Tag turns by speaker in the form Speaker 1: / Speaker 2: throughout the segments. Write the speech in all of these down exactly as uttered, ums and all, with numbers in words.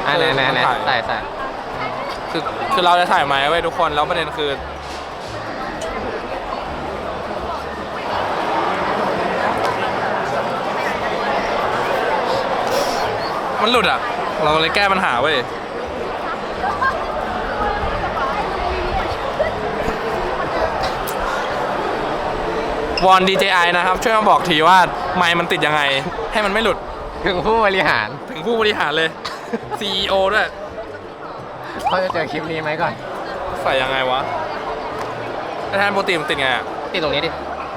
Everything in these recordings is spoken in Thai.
Speaker 1: อ่าไหนไหนไหนใส่ใส่
Speaker 2: คือคือเราจะถ่ายไหมไว้ทุกคนแล้วประเด็นคือมันหลุดอ่ะเราเลยแก้ปัญหาเว้ยวอน ดี เจ ไอ นะครับช่วยมาบอกทีว่าไมค์มันติดยังไงให้มันไม่หลุด
Speaker 1: ถึงผู้บริหาร
Speaker 2: ถึงผู้บริหารเลย ซี อี โอ ด้วย
Speaker 1: เขาจะเจอคลิปนี้ไหมก่อน
Speaker 2: ใส่ยังไงวะแทนโปรตีนมันติดไงอ่ะ
Speaker 1: ติดตรงนี้ดิ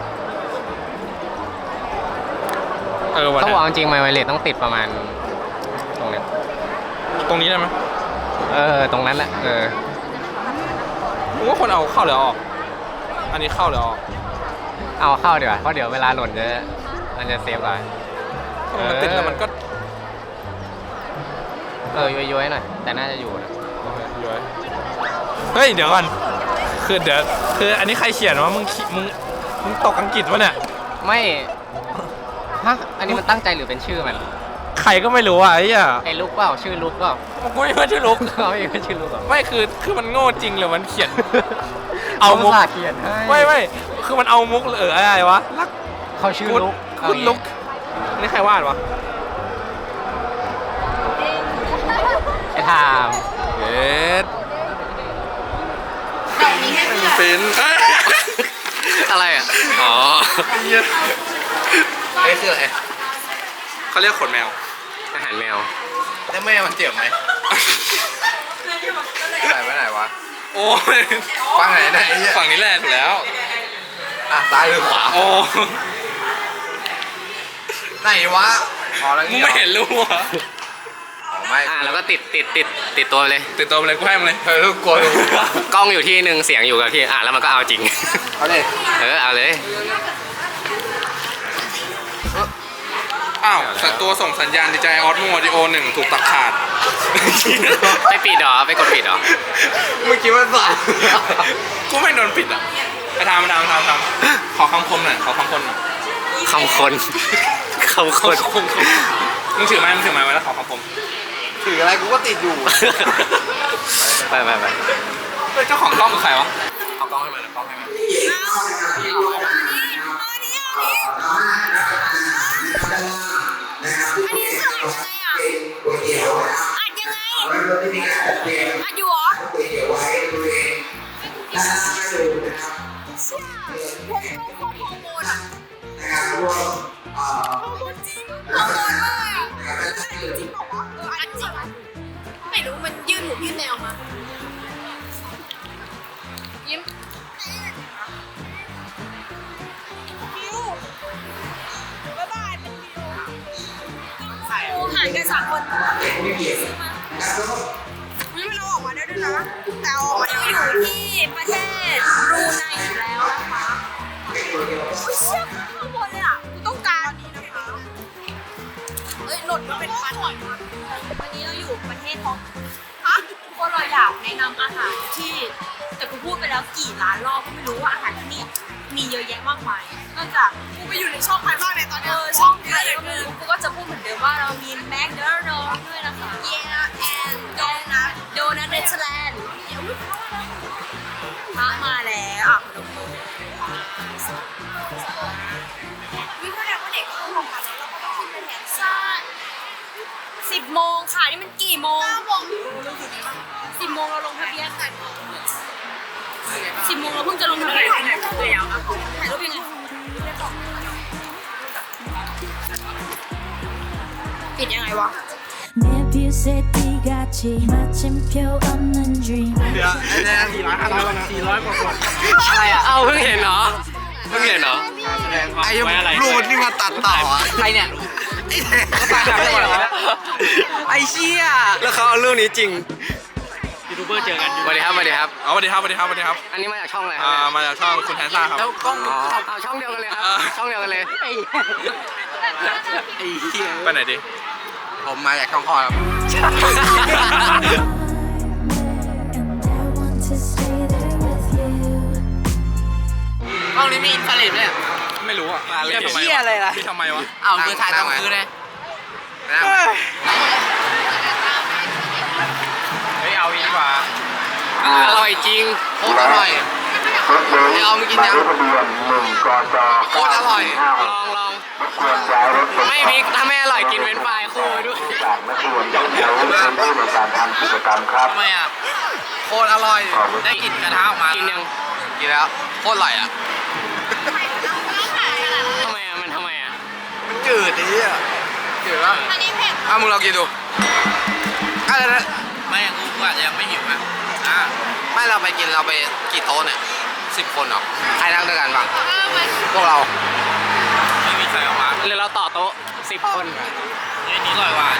Speaker 2: เออวัน
Speaker 1: เขาบอกจริงไมค์ไวเลสต้องติดประมาณตรงนี้
Speaker 2: ตรงนี้ได้ไหม
Speaker 1: เออตรงนั้นแหละเออ
Speaker 2: ผมว่าคนเอาเข้าหรือออกอันนี้เข้าหรือออก
Speaker 1: เอาเข้าดีกว่าเพราะเดี๋ยวเวลาหล่นจะมันจะเซฟไว้
Speaker 2: มันติดแล้วมันก็
Speaker 1: เออย้อยๆหน่อยแต่น่าจะอยู่นะ
Speaker 2: ย้อยเฮ้ยเดี๋ยวก่อนคือเดี๋ยวคืออันนี้ใครเขียนว่ามึงมึงมึงตกอังกฤษวะเนี่ย
Speaker 1: ไม่ฮะอันนี้มันตั้งใจหรือเป็นชื่อมัน
Speaker 2: ใครก็ไม่รู้อ่ะไอ้เนี่ย
Speaker 1: ไอ้ลุกเปล่าชื่อลุกเปล่า
Speaker 2: กูไม่ว่าชื่อลุก
Speaker 1: เขาไม่ว่าชื่อลุกหรอ
Speaker 2: ไม่คือคือมันโง่จริงหรือมันเขียนเอามุก
Speaker 1: เขียนให้
Speaker 2: ไม่ไม่คือมันเอามุกหรืออะไรวะรัก
Speaker 1: เขาชื่อลุก
Speaker 2: คุณลุกนี่ใครวาดวะ
Speaker 1: ไอ้ทาม
Speaker 2: เอ็ดเป็น
Speaker 1: อะไรอ่ะอ๋อไอ้คืออะไร
Speaker 2: เขาเรียกขนแมว
Speaker 1: อาหารแมว
Speaker 2: แล้วแม่มันเจ็บไหม
Speaker 1: ใส่ไว้ไหนวะ
Speaker 2: โอ้ย
Speaker 1: ฝั่งไหนไหน
Speaker 2: ฝั่งนี้แหละถูกแล้ว
Speaker 1: อ่ะซ้ายหรือขวา
Speaker 2: โอ้
Speaker 1: ไหนวะ
Speaker 2: อ๋อแล้วงี้ไม่เห็นรู้อ่ะ
Speaker 1: ไม่อ่ะแล้วก็ติดติดติดติดตัวเลย
Speaker 2: ติดตัวเลยกูให้มันเลย
Speaker 1: เฮ้ยลูกกลัวกล้องอยู่ที่หนึ่งเสียงอยู่กับที่อ่ะแล้วมันก็เอาจริง
Speaker 2: เอาเลย
Speaker 1: เออเอาเลย
Speaker 2: อ้าวสัตว์ตัวส่งสัญญาณดีใจออสโมดิโอหนึ่งถูกตัดขาด
Speaker 1: ไปปิดเหรอไปกดปิดเหรอ
Speaker 2: เมื่อกี้มันสั่นกูไม่โดนปิดอ่ะไปทำมาทำทำทำขอคำคมหน่อยขอคำคมหน่อย
Speaker 1: คำคนคำคน
Speaker 2: มึงถือไม้มึงถือไม้ไว้แล้วขอคำคม
Speaker 1: ถืออะไรกูก็ติดอยู่ไปไปไป
Speaker 2: เจ้าของกล้องคือใครวะเอากล้องให้มันกล้องให้มัน
Speaker 3: อันนี้คืออัดยังไงอ่ะอัดยังไงอัดอยู่เหรอพวกพวกฮอร์โมนอ่ะฮอร์โมนจริงฮอร์โมนมากอ่ะจริงบอกว่าเอออัดจริงไม่รู้มันยื่นหูยื่นแนวมายิ้มห่างกันสามคนซื้อมาวิมันเอาออกมาได้ด้วยนะแต่ออกมาอยู่ที่ประเทศบรูไนอยู่แล้วนะคะอุ้ยเชี่ยข้างบนเลยอ่ะกูต้องการนี้นะคะเอ้ยหล่นมาเป็นพันวันนี้เราอยู่ประเทศของฮะทุกคนเราอยากแนะนำอาหารที่แต่กูพูดไปแล้วกี่ล้านรอบก็ไม่รู้ว่าอาหารที่นี่มีเยอะแยะมากมายนอกจากกูไปอยู่ในช่องใครบ้างเนี่ยตอนนี้ช่องใครก็ไม่รู้กูก็จะพูดเหมือนเดิมว่าเรามีแมคโดนัลด์ด้วยนะคะ Yeah and Donut Donut Netherlands มามาแล้วอ่ะขนมโตวิ่งแสดงว่าเด็กก็ต้องลงมาแล้วเราก็ต้องขึ้นไปแทนซ่าสิบโมงค่ะนี่มันกี่โมงสิบโมงเราลงทะเบียนกันสิบโมงเราเพิ่งจะลงทะเบียนถ่ายรูปยังไงปิดยังไงวะ
Speaker 2: เดี๋ยวไอ้เนี่ยสี่ร้อยห้าร้อยนะสี่ร้อยกว่าคน
Speaker 1: อะไรอ่ะเอ้าเพิ่งเห็นเหรอเพิ่งเห็นเหรอ
Speaker 2: ไอ้รูดนี่มาตัดต่ออ่ะ
Speaker 1: ใครเนี่ยไอ้เนี่ยเขาตายแล้วเหรอไอ้เชี่ยแล้วเขาเอาเรื่องนี้จริงยูทูบเบอร์เจอกันสวัสดีครับสวัสดีครับ
Speaker 2: เอาสวัสดีครับสวัสดีครับสวัสดีครับ
Speaker 1: อันนี้มาจากช่องอะไร
Speaker 2: อ่ามาจากช่องคุณแทนซ่าครับ
Speaker 1: แล้วกล้องเอาช่องเดียวกันเลยครับช่องเดียวกันเลยไอ้เหี้ย
Speaker 2: ไปไหนดิ
Speaker 1: ผมมาจากช่องคอครับห้องนี้มีอินฟราเรดไหมเนี่ย
Speaker 2: ไม่รู้อ่ะ
Speaker 1: อะไรทำไมอะไรล่ะ
Speaker 2: ทำไมวะ
Speaker 1: อ้าวมือถ่ายตรงมือเลยร่อยจริงโคตรอร่อยไอออมกินยังโคตรอร่อยลองลองไม่มิกถ้าไม่อร่อยกินเว้นไฟคู่ไปด้วยทำไมอ่ะโคตรอร่อยได้กลิ่นกระทะออกมากินยังกินแล้วโคตรอร่อยอ่ะทำไมอ่ะมันทำไมอ่ะมันจืดดิอ่ะจืดป่ะ
Speaker 3: อันนี้เผ็ด
Speaker 1: อ่ะมึงลองกินดูอะไรนะไม่กูอาจจะยังไม่หิวนะอ่ะไม่เราไปกินเราไปกี่โต๊ะเนี่ยสิบคนเหรอใครนั่งด้วยกันบ้างพวกเราไม่มีใครเอามาหรือเราต่อโต๊ะสิบคนนี่นี่อร่อยกว่า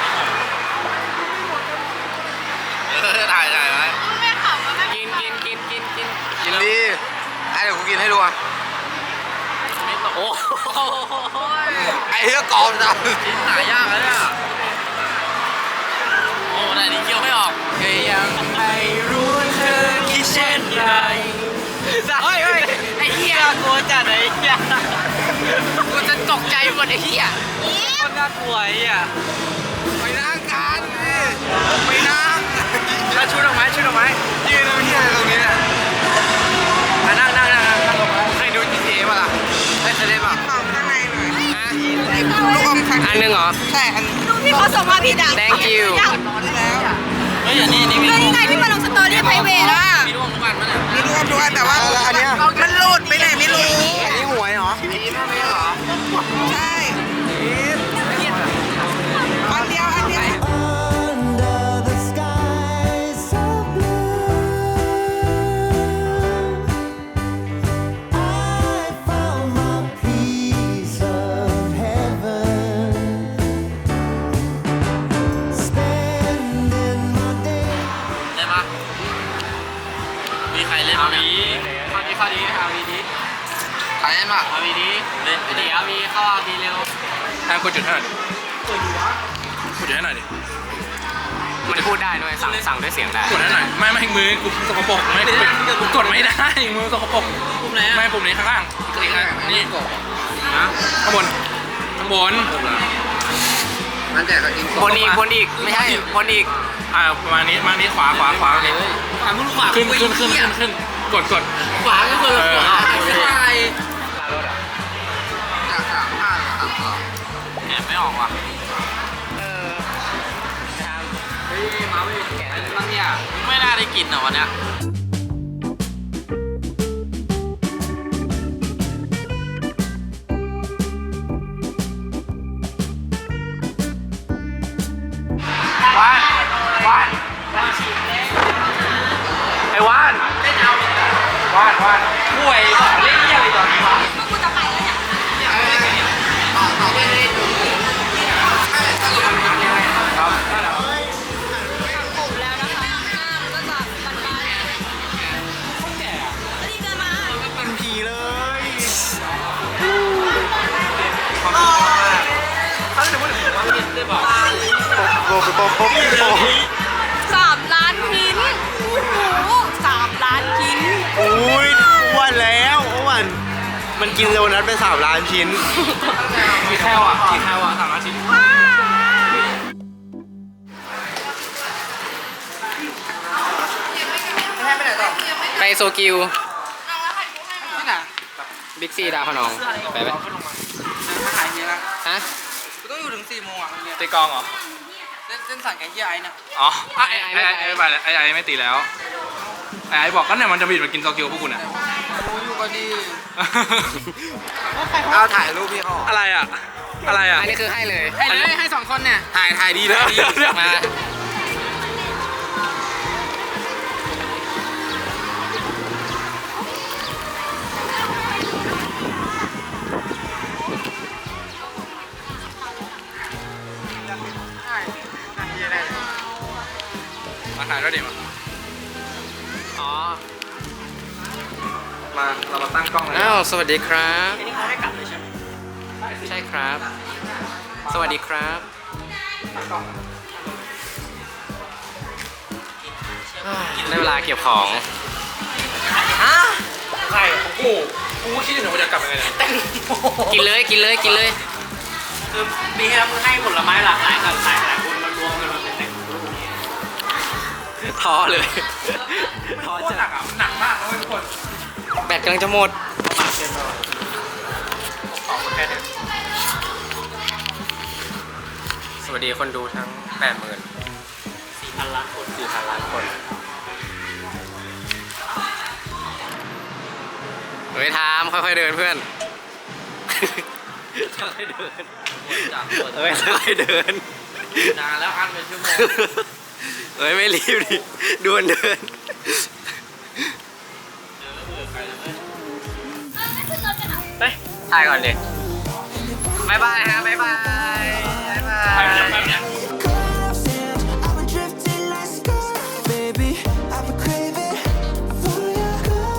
Speaker 1: เออถ่ายถ่ายไว้
Speaker 3: ไม่ขำแล้วไม่
Speaker 1: กินกินกินกินกินกินดีไอ้เดี๋ยวกูกินให้ดูอ่ะโอ้ไอ้เหี้ยกรอบจังกินหายากเลยอ่ะโอ้แต่นี่เคี้ยวไม่ออกแค่ยังไม่รู้เธอคิดเช่นไรเฮ้ยเฮ้ยไอ้เหี้ยกลัวจัดไอ้เหี้ยกูจะตกใจหมดไอ้เหี้ยคนน่ากลัวไอ้เหี้ยไปนั่งกันไปนั่งแล้วชุดดอกไม้ชุดดอกไม้ยืนตรงนี้ตรงนี้เนี่ยมานั่งนั่งนั่งนั่งลงมาเคยดู จี ที เอ ป่ะล่ะไม่เคยเล่นป่ะ
Speaker 4: ข้างในหน่อย
Speaker 1: ฮะ
Speaker 4: ลูกอมคัน
Speaker 1: อันหนึ่งเหรอ
Speaker 4: ใช่อัน
Speaker 3: ดูพี่เขาส่งมาผิดอ่ะ
Speaker 1: Thank you
Speaker 4: แล้ว
Speaker 1: เฮ้ยอันนี้นี่มี
Speaker 3: ก็นี่ไงที่มาลงสตอรี่ไพรเวทอ่ะ
Speaker 1: มีร่วงทุกวันมั้ยเนี่ย
Speaker 4: มีลูกอมทุกอันแต่ว่าอันเนี้ยมันหลุดไปไหนไม่รู้
Speaker 1: อันนี้หวยเหรออันนี้ไม่เหรอ
Speaker 4: ใช่อันเดียวอันเดียว
Speaker 5: Under the skies so blue, I found my piece of heaven, spending my day.
Speaker 1: ได้ปะมีใครเล่นบ้างเนี่ยข้อดีข้อดีเอาดีดีใครเล่นบ้างเอาดีดีเล่นเดี๋ยวมีเข้าเอาดีเร็ว
Speaker 2: แทนกดจุดให้หน่อยดิกดจุดให้หน่อยดิ
Speaker 1: มันพูดได้ด้วยสั่งสั่งด้วยเสียงได้
Speaker 2: กดให้หน่อยไม่ไม่มือกูสกปรกไม่กูกดไม่ได้มือสกปรก
Speaker 1: ปุ่มไหน
Speaker 2: ไม่ปุ่มนี้ข้างล่างอีกอันนี่
Speaker 1: นะ
Speaker 2: ข้างบนข้างบน
Speaker 1: มันแต่ก็กินบนอีกบนอีกไม่ใช่บนอีก
Speaker 2: อ่าประมาณนี้มานี้ขวาขวาขวานี้
Speaker 1: ขวามึงขวา
Speaker 2: ขึ้นขึ้นขึ้นขึ้นขึ้นกดกด
Speaker 1: ขวาก็คือขวาใช่แอบไม่ออกว่ะเออเฮ้ยมาไม่แก่แล้วบ้างเนี่ยไม่น่าได้กินอ่ะวันเนี้ยวันวันไอ้วันเล่นเอาวันวันป่วยเล่นยังไงตอนนี้วะ
Speaker 3: กูจะไปแล้วเนี่ย
Speaker 1: ครับ
Speaker 3: ผมแล้วนะคะก็จะบันไดแล้วนี่เดินมา
Speaker 1: เป็นผีเลย
Speaker 3: สามล้านชิ้นโอ้โหสามล้านชิ้น
Speaker 6: อุ้ยอ้วนแล้วอ้วนมันกินโดนัทไปสามล้านชิ้น
Speaker 2: กี่แคลอ่ะกี่แคลอ่ะสามอาทิตย์
Speaker 1: ไปโซกิวบิ๊กซีดาวพนองไปไหม
Speaker 4: หายเนี้ยละ
Speaker 1: ฮะ
Speaker 4: กูต้องอยู่ถึงสี่โมงอ่ะโรงเรียน
Speaker 2: ตีกองเหรอ
Speaker 4: เส้นเส้นสั่งไก่เหี้ยไอ้เนี่ย
Speaker 2: อ๋อไอ้ไอ้ไอ้ไอ้ไปไอ้ไอ้ไม่ตีแล้วไอ้ไอ้บอกก็เนี่ยมันจะบิดมากินโตเกียวพวกคุณอ่ะ
Speaker 4: โอ้ยอยู่ก็ดี
Speaker 1: เอาถ่ายรูปพี่เขา
Speaker 2: อะไรอ่ะอะไรอ่ะ
Speaker 1: อันนี้คือให้เลยให้เลยให้สองคนเนี่ยถ่ายถ่ายดีเลยมา
Speaker 2: มาถ่ายด้วยดิมา
Speaker 1: อ๋อ
Speaker 2: มาเรามาตั้งกล้องเลย
Speaker 1: อ้าวสวัสดีครับใช่ครับ สวัสดีครับได้เวลาเก็บของ
Speaker 2: ใครโอ้กูคิดอยู่ว่าจะกลับยังไงเนี่ย
Speaker 1: กินเลยกินเลยกินเลย
Speaker 7: คือปีที่แล้วมึงให้ผลไม้หลากหลายหลากหลายหลายคนมารวมกันมาเป็นแต่งรูป
Speaker 1: ท้อเลยท้อ
Speaker 2: โคตรหนักอ่ะมันหนักมากนะเว้ยทุกคน
Speaker 1: แบตกำลังจะหมด
Speaker 2: ขอบคุณแค่นี้
Speaker 1: สวัสดีคนดูทั้งแปดหมื่นสี่พันล้านคนสี่พันล้านคนเฮ้ยทามค่อยๆเดินเพื่อนค่อยๆเดินเฮ้ยค่อยๆเดิน
Speaker 4: นานแล้วอันเป็นชั่วโมง
Speaker 1: เฮ้ยไม่รีบดิดวนเดินไปถ่ายก่อนดิบายบายฮะบายบายบายบาย
Speaker 5: I've been drifting like sky, baby. I've been craving for your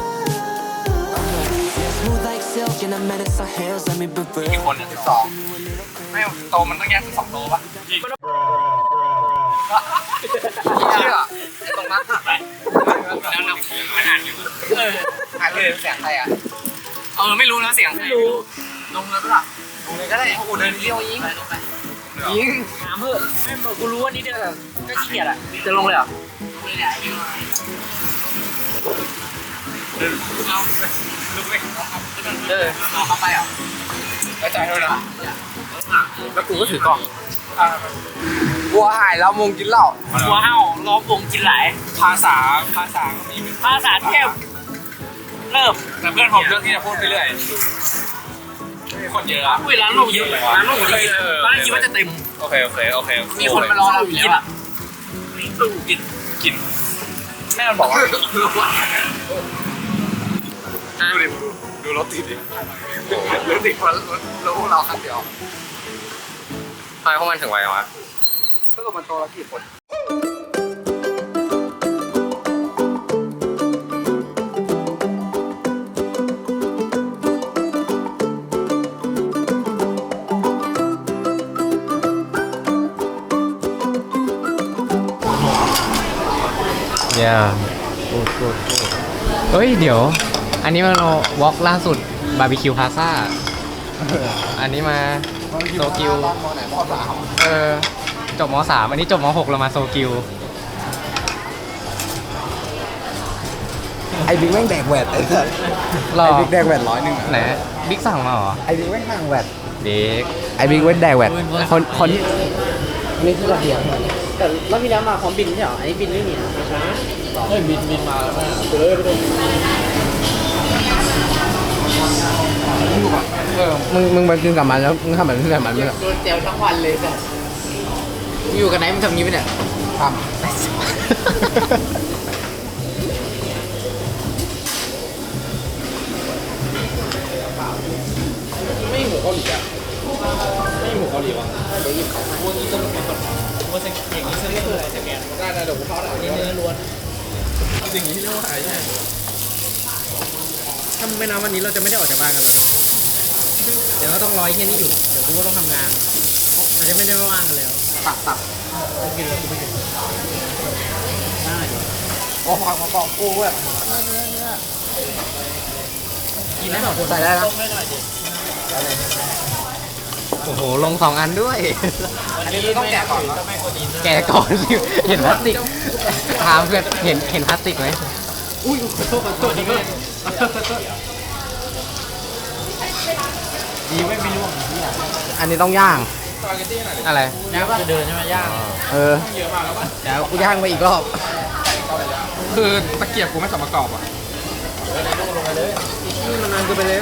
Speaker 5: love. Smooth like silk, and I met it some hairs. Let me be
Speaker 2: กี่
Speaker 5: real.
Speaker 2: คนเนี่ยสิบสองไม่โตมันต้องแยกสิบสองโตป่ะเชื่อตรงนั้นหักไปแล้วนำขนาดอยู่เออหายเลยเสียงใครอ่ะเออไม่รู้นะเสียงไม่รู้ลงเลยปะล่ะลงเลยก็ได้โอ้โหเดินเลี้ยวยิงลงไปยิงน้ำเพื่อไม่กูรู้ว่านี่เดินก็ขี้เกียจอ่ะจะลงเลยเหรอลงเลยแหละเอาลุกเลยเออเอาเข้าไปอ่ะไปจ่ายเท่านั้นแล้วกูก็ถือกล่อง
Speaker 4: บัวหายแล้วมงกินเหล้า
Speaker 7: หัวเห่าล้อมวงกินไหล
Speaker 2: ภาษาภาษาก็มี
Speaker 7: ภาษาเทพเริ่ม
Speaker 2: แต่เพื่อนผมเลือกที่จะพูดไปเรื่อยคนเยอะอะ
Speaker 7: อุ้ยร้านลูกเยอะร้านลูกเยอะตอนแรกคิดว่าจะเต็ม
Speaker 2: โอเคโอเคโอเค
Speaker 7: มีคนมารอเราอยู่แล้วอะตู้กิน
Speaker 2: กินแม่มันบอกว่าดูดิดูรถติดดิรถติดคนรถพวกเราคันเดียว
Speaker 1: ทำไมพวกมันถึงไววะ
Speaker 2: ถ้าเกิดมันโตแล้วกี่คน
Speaker 1: ย่าเฮ้ย เดี๋ยว อันนี้มันวอล์กล่าสุดบาร์บีคิวพาซ่าอันนี้มาโซกิวเออ จบมสามอันนี้จบมหกเรามาโซกิว
Speaker 6: ไอ้บิ๊กแม่งแดกแหวดไอ้สัส
Speaker 1: รอ
Speaker 6: ไอ้บิ๊กแดกแหวดร้อยหนึ่ง
Speaker 1: ไหนบิ๊กสั่งมาเหรอ
Speaker 6: ไอ้บิ๊กแม่งห่างแหวด
Speaker 1: บิ๊ก
Speaker 6: ไอ้บิ๊กเว้นแดกแหวดคนคนนี่คือกระเทียม
Speaker 7: แต่รอบที่แล้วมาพร้อมบินใช่เหรออันนี้บินไม่มีนะเฮ้ยบินบินมาแล้วแม่เฮ้ยไปดู
Speaker 6: มึงมึงไปกินกับมันแล้วมึงทำแบบนี้กับมันไม่หรอ
Speaker 7: โดนเจลทั้งวันเลยจ้ะอยู่กันไหนมึงทำงี้ไปเนี่ย
Speaker 6: ทำ
Speaker 7: ไม่หมูเกาหลีอ่ะไม่หมูเกาหลีวะเดี๋ยวหยิบของมาวันนี้จะลงมาก่อนว่าจะอย่างนี้จะเรียกอะไรสแกนได้ได้เดี๋ยวผมเข้าได้อันนี้เนื้อล้วนสิ่งนี้เรียกว่าหายใช่ถ้าไม่นับวันนี้เราจะไม่ได้ออกจากบ้านกันเลยเดี๋ยวก็ต้องรอไอ้เที่ยนี้หยุดเดี๋ยวกูก็ต้องทำงานอาจจะไม่ได้ว่างกันแล้วตับตับกูกินแล้วกูไม่กินได้
Speaker 6: โอ้โหมาบอกกูเว้ย
Speaker 7: กินได้สองคน
Speaker 6: ใส่ได้นะ
Speaker 1: โอ้โห ลงสองอันด้วย
Speaker 7: อันนี้ต้องแกะก่อนก็ไม่ควรกิน
Speaker 1: แกะก่อนสิเห็นพลาสติกถามเพื่อนเห็นเห็นพลาสติกไหม
Speaker 7: อุ้ยขอโทษขอโทษนี่ก็ดีไม่ไม่ร่วง
Speaker 6: อันนี้ต้องย่าง
Speaker 1: อะไร
Speaker 7: ย่างจะเดินใช่ไหมย่าง
Speaker 6: เออเดี๋ยวกูย่างไปอีกรอบ
Speaker 2: คือตะเกียบกูไม่สมประกอบอ่ะ
Speaker 7: นี่มันนานเกินไปแล้ว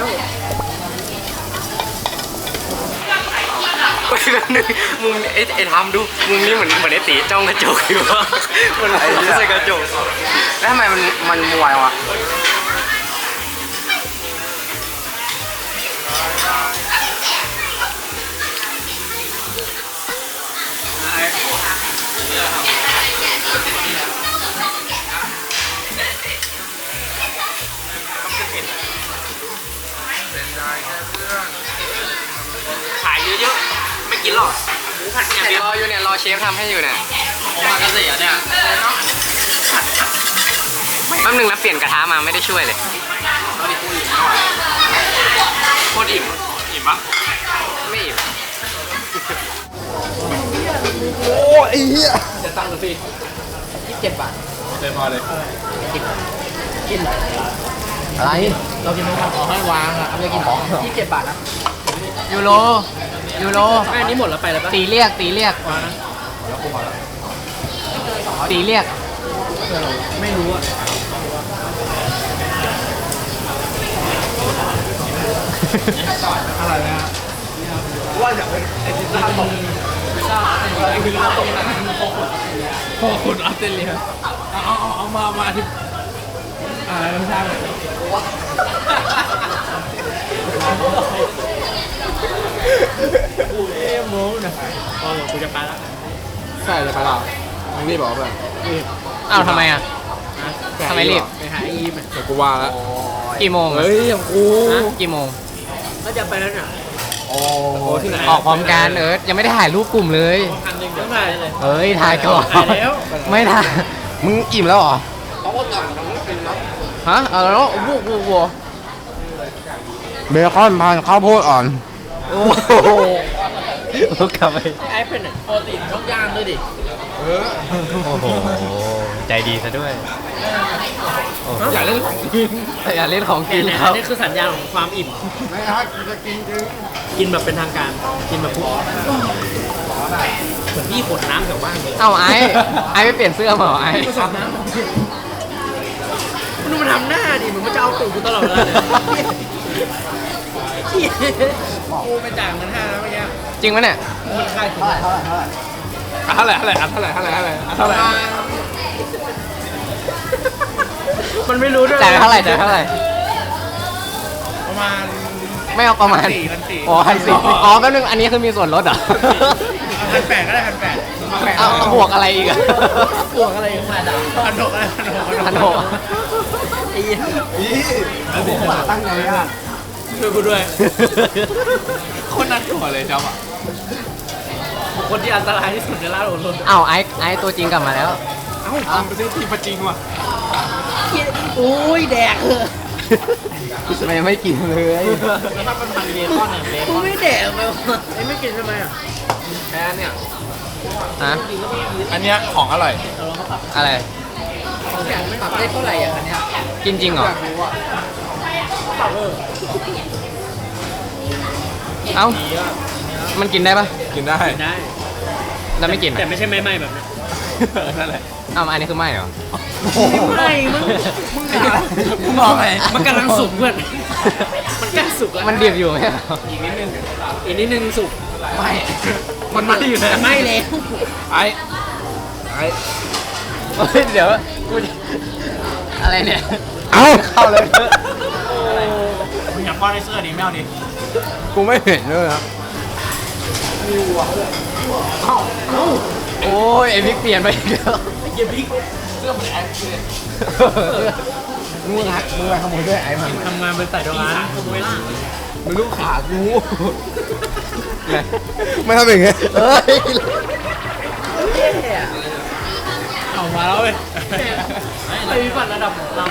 Speaker 1: ไปแล้วนึงมึงไอ้ไอ้ทำดู มึงนี่เหมือนเหมือนไอ้ตีจ้องกระจกอยู่วะมันไม่ใช่กระจก
Speaker 6: แล้วทำไมมันมันมวยวะ
Speaker 7: ขายเยอะๆไม่กินหรอกหมูผัดอย่างเดียว
Speaker 1: รออยู่เนี่ย รอเชฟทำให้อยู่เนี่ย
Speaker 7: โอมากาเสะเนี่ย
Speaker 1: แป๊บนึงนะเปลี่ยนกระทะมาไม่ได้ช่วยเลยโคตรอิ่ม
Speaker 2: อิ่มปะ
Speaker 1: ไม่อิ่ม
Speaker 6: โอ้ไอ้เหี้ย
Speaker 7: จะตั้งค์ดูสิยี่สิบเจ็ดบาท
Speaker 4: เลยพอเลย
Speaker 7: กิน
Speaker 1: อะไร
Speaker 7: เรากินของขอให้วางอ่ะไม่ได้กินของที่เจ็ดบาทนะ
Speaker 1: ยูโรยูโร
Speaker 7: แม่นี้หมดแล้วไปแล้วปะ
Speaker 1: ตีเรียกตีเรียก
Speaker 7: วางนะ
Speaker 1: ตีเรียก
Speaker 7: ไม่รู้อ่ะอะไรนะว่าอยากเป็นไอ้ที่ทำพิซซ่าไอ้พิซซ่าตรงนั้นพอคนออสเตรเลียเอาเอาเอาเอามามาที่อ่าไม่ใช่เอ้โม้นะพอกูจะไปแล้ว
Speaker 4: ใช่เลยไปเรามึงรีบบอกเพื่อน
Speaker 1: อ้าวทำไมอ่ะ ทำไมรีบ
Speaker 7: ไปหาอีม
Speaker 4: เดี๋ยวกูว่าแล้ว
Speaker 1: กี่โมงอะ
Speaker 4: เฮ้ยอย่างกู
Speaker 1: ฮะกี่โมง
Speaker 7: แล้วจะไปแล้วเนี่ย
Speaker 4: โอ้โหที่ไหน
Speaker 1: ออกพร้อมกันเอิร์ธยังไม่ได้ถ่ายรูปกลุ่มเลย
Speaker 7: พันหนึ่งเดี๋ยวถ่ายเลย
Speaker 1: เฮ้ยถ่ายก่อน
Speaker 7: ถ่ายแล้ว
Speaker 1: ไม่ถ่ายมึงอิ่มแล้วเหรอฮะเอาแล้ววัววัววัวเบคอนพันข้าวโพดอ่อนโอ้โหลุกกลับไป
Speaker 7: ไอ้เป็นอ่ะโปรตีนต้องย่างด้วยดิ
Speaker 1: โอ้โหใจดีซะด้วย
Speaker 4: อย่าเล่นของกิน
Speaker 1: อย่าเล่นของกิน
Speaker 7: เนี่ย
Speaker 1: ครับ
Speaker 7: นี่คือสัญญาณของความอิ่ม
Speaker 4: ไม่ครับจะกินจริง
Speaker 7: กินแบบเป็นทางการ กินแบบปุ๊บเหมือนพี่ขดน้ำแถวบ้านเลย
Speaker 1: เอ้าไอ้ไอ้ไม่เปลี่ยนเสื้อมาเหรอไอ้
Speaker 7: ผสมน้ำมันดูมันทำหน้าดิเหมือนมันจะเอาตูดกูตลอดเวลาเลยกูไปจ่ายเงินห้าแล้วเมื่อกี้
Speaker 1: จริงปะเนี่ย
Speaker 7: มันค่ายถึง
Speaker 4: เท่าไหร่เท่าไหร่เท่าไหร่เท่าไหร่เท่าไหร่เท่าไหร่
Speaker 7: มันไม่รู้ด้วย
Speaker 1: จ่ายเท่าไหร่จ่ายเท่าไหร่
Speaker 7: ประมาณ
Speaker 1: ไม่เอาประมาณ
Speaker 7: พันสี่
Speaker 1: อ๋อพันสี่อ๋อแป๊บนึงอันนี้คือมีส่วนลดเหรอ
Speaker 7: พันแปดก็ได้พันแปด
Speaker 1: เอาเอาบวกอะไรอีกอะ
Speaker 7: บวกอะไรกันมาด่าพันหกอะไรพันหก
Speaker 1: พันหก
Speaker 7: ไอ้เหี้ย
Speaker 4: ผมว่าตั้งใจอ่ะ
Speaker 7: ช่วยกูด้วย
Speaker 4: คนนั้นตัวเลยจ๊อบอ่ะ
Speaker 7: คนที่อันตรายที่สุดในร้านโอรส
Speaker 1: เอ้าไอ้ไอ้ตัวจริงกลับมาแล้ว
Speaker 4: เอ้าทำไปซื้อทีมประจริงว่ะ
Speaker 7: โอ้ยแดกเลย
Speaker 1: มันยังไม่กินเลย
Speaker 7: แล้วถ้ามันพันเบคอนอ่ะเบคอนไม่แดกเลยวะไอ้ไม่กินทำไมอ่ะ
Speaker 4: แค่เนี่ย
Speaker 1: ฮะ
Speaker 4: อันเนี้ยของอร่อย
Speaker 1: อะไร
Speaker 7: ปรับได้เท่าไหร่อ่ะอันเนี้ย
Speaker 1: กินจริงเหรอ เอ้า มันกินได้ปะ
Speaker 4: กินได้
Speaker 7: ได้
Speaker 1: แล้วไม่กิน
Speaker 7: แต่
Speaker 1: อะ
Speaker 7: ไม่ใช่ไม่ไม่แบบนั้น
Speaker 4: นั่นแหละ
Speaker 1: เอ้าอันนี้คือไม่เหรอ
Speaker 7: ไม่มึงมึง
Speaker 4: มึงมองไง
Speaker 7: มันกำลังสุกเพื่อนมันใกล้สุกแล้ว
Speaker 1: มันดิบอยู่ไหมเหรอ
Speaker 7: อีกนิดนึงอีกนิดนึงสุก
Speaker 1: ไม่
Speaker 4: มันไม่อยู่เลย
Speaker 7: แต่ไม่แล้ว
Speaker 4: ไอ้ไอ้
Speaker 1: เฮ้ยเดี๋ยวกูจะอะไรเนี่ย เอ้าเข้าเลย
Speaker 7: มึงอยากป้อนไอ้เสื้อดิไม่เอาดิ
Speaker 4: กูไม่เห็นเลยครับ
Speaker 1: โอ้ยไอพิกเปลี่ยนไปอีกแล้ว
Speaker 7: ไอ้เหี้ยพริก
Speaker 1: มึงฮักมึงไปขโมยด้วยไอ้มัน
Speaker 7: ทำงานเป็นสายโรงงาน
Speaker 4: มันลูกขากูไม่ทำอย่างเงี้ย
Speaker 1: เฮ้ย
Speaker 7: เอามาแล้วเว้ยไอ้วิบัติระดับเรา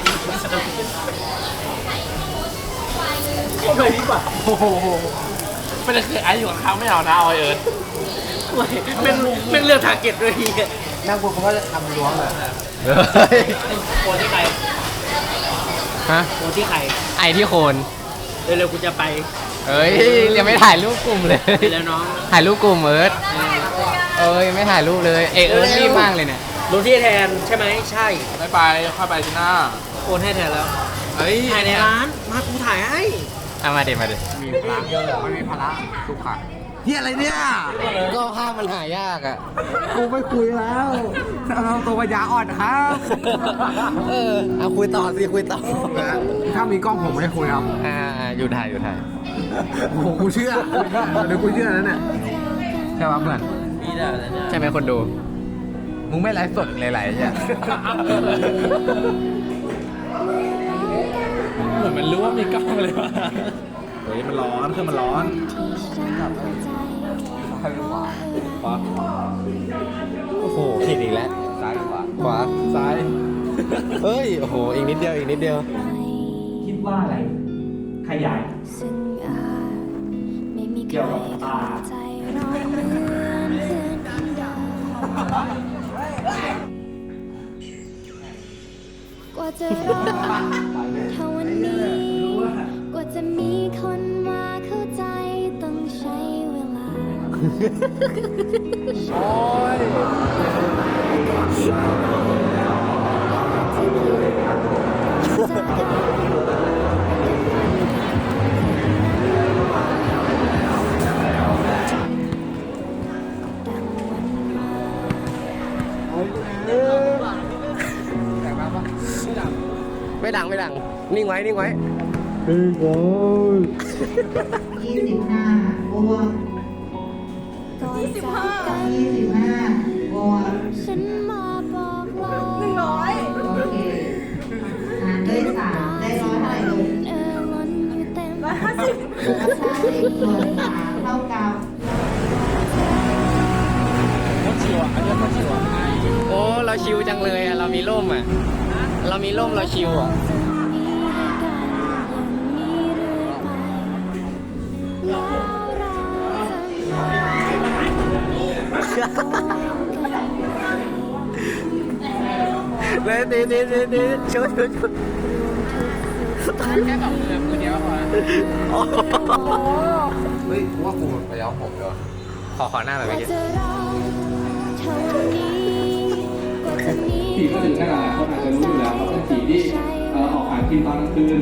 Speaker 7: โอ้ยวิบัติ
Speaker 4: โอ้โหไม่ได้เคยไอ้อยู่กับเขาไม่เอานะเอาไอเอิร์ธ
Speaker 7: เป็นเป็นเรื่องทาร์เก็ตด้วยที
Speaker 4: นั่งกูเขาก็จะทำล้วงเลย
Speaker 7: โคนที่ใคร
Speaker 1: ฮะ
Speaker 7: โคนที่ใคร
Speaker 1: ไอที่โคน
Speaker 7: เร็วๆกูจะไป
Speaker 1: เอ้ยยังไม่ถ่ายรูปกลุ่มเลย
Speaker 7: ไปแล้วน้อง
Speaker 1: ถ่ายรูปกลุ่มเอิร์ธเอ้ยไม่ถ่ายรูปเลย เอยเอิร์ธรีบมากเลยเนี่ย
Speaker 7: รู้ที่แทนใช่ไหมใช่
Speaker 4: ไม่ไปค่อยไปที่หน้า
Speaker 7: โอนให้แทนแล้ว
Speaker 4: เฮ้ย
Speaker 7: ถ่ายในร้านมากูถ่ายให้
Speaker 1: เอามาเดี๋ยวมาเดี๋ยว
Speaker 4: มีพลังเยอะไม่มีพลังทุกขังเฮียอะไรเนี่ย
Speaker 1: ก็ภาพมันหายากอ่ะ
Speaker 4: กูไม่คุยแล้วเราตัวปัญญาอ่อนครับ
Speaker 1: เออเอาคุยต่อสิคุยต่อ
Speaker 4: ถ้ามีกล้องผมไม่ได้คุยครับ
Speaker 1: อ่าอยู่ถ่ายอยู่ถ่าย
Speaker 4: โอ้โหกูเชื่อเดี๋ยวกูเชื่อแล้วเนี่ยใช่ป่ะเพื่อน
Speaker 1: ใช่ไหมคนดู
Speaker 4: มึงไม่ไลฟ์สดหลายๆใช่
Speaker 7: เหมือนมันรู้ว่ามีกล้องเลยวะ
Speaker 4: เฮ้ยมันร้อนเครื่องมันร้อนซ้ายหรือขวาขวา
Speaker 1: โอ้โหผิดอีกแล้ว
Speaker 4: ซ้ายหรือขวา
Speaker 1: ขวา
Speaker 4: ซ้าย
Speaker 1: เฮ้ยโอ้โหอีกนิดเดียวอีกนิดเดียว
Speaker 7: คิดว่าอะไรขยาย
Speaker 5: ซึ่งอาจไม่มีใครเข้าใจเราเหมือนเพื่อนกัน
Speaker 8: จะรอเท่าวันนี้ กว่าจะมีคนมาเข้าใจต้องใช้เวลา
Speaker 4: โอ้ย
Speaker 7: ไม่ดังไม่ดัง นิ่งไว้นิ่งไว้
Speaker 9: ยี่สิบห้าบวก
Speaker 8: ก่อนจากกัน
Speaker 9: ยี่สิบห้าบวก
Speaker 8: ฉันมาบอกเรา
Speaker 3: หนึ่งร้อย
Speaker 9: โอเคหารด้วยสามได้ร้อยเท่าไหร่ลูก
Speaker 8: เออล้นอยู่เต็ม
Speaker 3: ร้อยห้าสิบ
Speaker 9: แล้วใช่ส่วนสามเท่ากับ
Speaker 7: โอ้เราชิวจังเลยอะเรามีร่มอะเรามีร่มเราชิวอะ
Speaker 8: จะมีให้กันอย่างนี้เรื่อยไปแล้วเราจะโกงกัน
Speaker 7: เลยดีดีดีดีชุดชุดชุด
Speaker 4: แค่สองเดือนมือเดียวพอ
Speaker 2: เฮ้ยกูว่ากูไปย้อมผมดีกว่า
Speaker 7: ขอขอหน้าแบบ
Speaker 8: กว่า
Speaker 7: เมื่อกี้
Speaker 8: จะรอเท่าวันนี้กว่าจะมี
Speaker 10: ผีก็ถึงขนาดหลายคนอาจจะรู้อยู่แล้วเขาเป็นผีที่เอ่อออกหากินตอนกลางคืน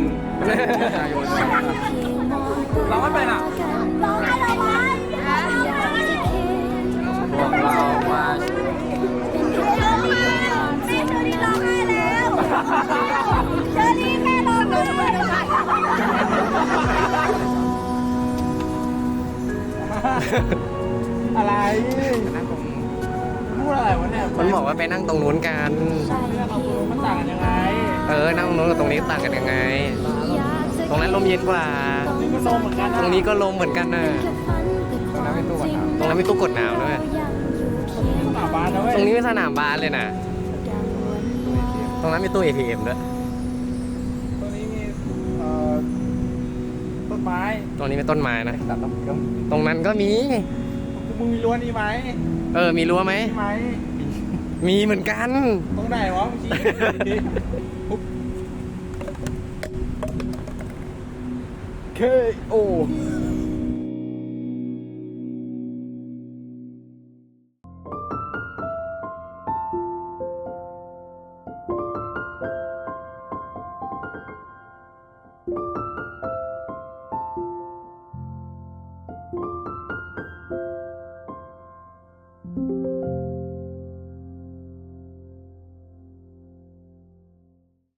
Speaker 4: เราไม่เป็นอ่ะ
Speaker 8: ร้องให้เราไหมอยากจะคิด
Speaker 7: พวกเรามา
Speaker 8: เป็นแค่เพียงความจริงนั้น
Speaker 3: เชอรี่แม่ร้องเลยไม่ได้
Speaker 4: อะไรพูดอะไรวะเนี่ย
Speaker 7: มันบอกว่าไปนั่งตรงนู้นกัน
Speaker 8: ใช่เพียง
Speaker 4: มันต่างกันยังไง
Speaker 7: เออ นั่งตรงนู้นกับตรงนี้ต่างกันยังไง
Speaker 8: อยากจะ
Speaker 7: ตรงนั้นลมเย็นกว่า
Speaker 4: ก็ลมเหมือนกัน
Speaker 7: ตรงนี้ก็ลมเหมือนกันนะ
Speaker 8: แค่ฝันแต่ความจริง
Speaker 7: ตรงนั้นมีตู้กดน้ำด้วย
Speaker 8: ยังอยู่เคียง
Speaker 4: หน้าบ้านนะเว้ย
Speaker 7: ตรงนี้เป็นสนามบาสเลยนะ
Speaker 8: ดังวันวาน
Speaker 7: ตรงนั้นมีตู้ เอ ที เอ็ม ด้วย
Speaker 4: ตรงนี้มีเอ่อต้นไม้
Speaker 7: ตรงนี้เป็นต้นไม้นะ
Speaker 4: ตัดต้นไม้
Speaker 7: ตรงนั้นก็มี
Speaker 4: มึงมีรั้วนี่ไหม
Speaker 7: เออ มีรั้วไหม
Speaker 4: มีไหม
Speaker 7: มีเหมือนกัน
Speaker 4: ตรงไหนวะมึงชี้ดิปุ๊บเคโอ